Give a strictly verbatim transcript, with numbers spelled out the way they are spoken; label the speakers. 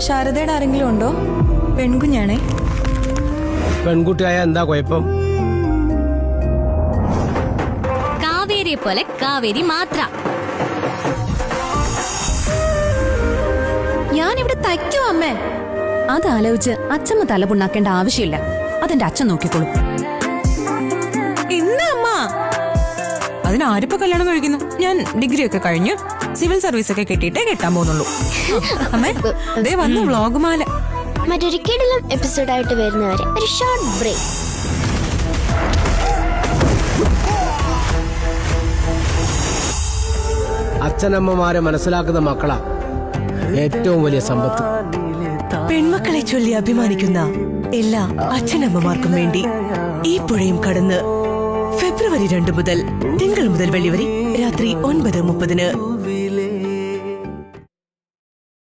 Speaker 1: ശാരദയുടെ ആരെങ്കിലും ഉണ്ടോ? പെൺകുഞ്ഞാണേ.
Speaker 2: പെൺകുട്ടിയായ എന്താ കുഴപ്പം?
Speaker 3: കാവേരിയെ പോലെ കാവേരി മാത്ര.
Speaker 1: ഞാനിവിടെ തയ്ക്കോ അമ്മേ?
Speaker 4: അതാലോചിച്ച് അച്ഛമ്മ തലപുണ്ണാക്കേണ്ട ആവശ്യമില്ല. അതെന്റെ അച്ഛൻ നോക്കിക്കോളും.
Speaker 5: എന്താ അമ്മ? അതിനാരിപ്പോ കല്യാണം കഴിക്കുന്നു? ഞാൻ ഡിഗ്രി ഒക്കെ കഴിഞ്ഞു സിവിൽ സർവീസ് ഒക്കെ കിട്ടിയിട്ടേ കെട്ടാൻ പോകുന്നുള്ളൂ. അമ്മേ ദേ വന്നു വ്ളോഗുമാല.
Speaker 6: മറ്റൊരു കിടിലം എപ്പിസോഡായിട്ട് വരുന്നവരെ ഒരു ഷോർട്ട് ബ്രേക്ക്.
Speaker 2: അച്ഛനമ്മമാരെ മനസ്സിലാക്കുന്ന മക്കളാ ഏറ്റവും വലിയ സമ്പത്ത്.
Speaker 7: പെൺമക്കളെ ചൊല്ലി അഭിമാനിക്കുന്ന എല്ലാ അച്ഛനമ്മമാർക്കും വേണ്ടി ഈ പുഴയും കടന്ന് ഫെബ്രുവരി രണ്ട് മുതൽ തിങ്കൾ മുതൽ വെള്ളി വരെ രാത്രി ഒൻപത് മുപ്പതിന്